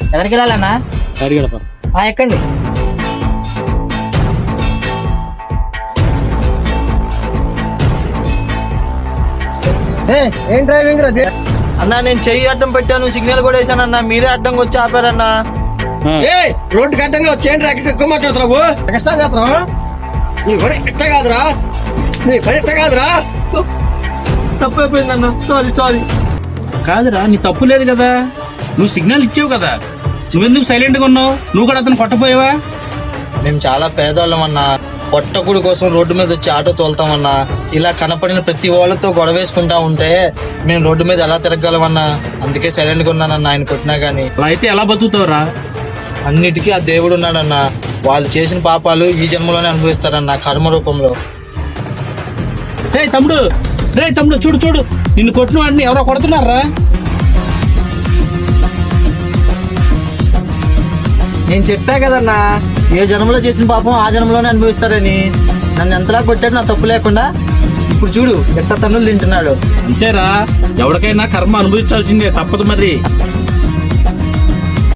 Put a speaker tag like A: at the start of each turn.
A: ఎక్కడికి వెళ్ళాలన్నా? ఎక్కండి. ఏం డ్రైవింగ్ రా అన్నా? నేను చెయ్యి అడ్డం పెట్టాను, సిగ్నల్ కూడా వేసానన్నా, మీరే అడ్డంగా వచ్చి ఆపారన్నా. రోడ్డు అడ్డంగా వచ్చేయండి, ఎక్కువ మాట్లాడుతున్నావు, కష్టం చేస్తున్నావు. నీ పని ఎట్ట కాదురా, నీ పని ఎట్ట కాదురా. తప్పు అయిపోయిందన్నా, సారీ.
B: కాదురా, నీ తప్పు లేదు కదా, నువ్వు సిగ్నల్ ఇచ్చావు కదా, నువ్వెందుకు సైలెంట్ గా ఉన్నావు? నువ్వు కూడా అతను కొట్టపోయావా?
A: మేము చాలా పేదవాళ్ళం అన్నా, పొట్టకుడి కోసం రోడ్డు మీద వచ్చి ఆటో తోలుతామన్నా. ఇలా కనపడిన ప్రతి వాళ్ళతో గొడవ వేసుకుంటా ఉంటే మేము రోడ్డు మీద ఎలా తిరగలమన్నా. అందుకే సైలెంట్ గా ఉన్నానన్నా, ఆయన కొట్టినా గానీ.
B: అలా అయితే ఎలా బతుకుతావురా?
A: అన్నిటికీ ఆ దేవుడు ఉన్నాడన్నా. వాళ్ళు చేసిన పాపాలు ఈ జన్మలోనే అనుభవిస్తారన్నా, కర్మ రూపంలో.
B: తమ్ముడు చూడు, నిన్ను కొట్టిన వాడిని ఎవరో కొడుతున్నారా?
A: నేను చెప్పా కదన్నా, ఏ జన్మలో చేసిన పాపం ఆ జన్మలోనే అనుభవిస్తారని. నన్ను ఎంతలా కొట్టాడు నా తప్పు లేకుండా. ఇప్పుడు చూడు ఎట్ట తన్నులు తింటున్నాడు.
B: అంతేరా, ఎవరికైనా కర్మ అనుభవించాల్సిందే, తప్పదు మరి.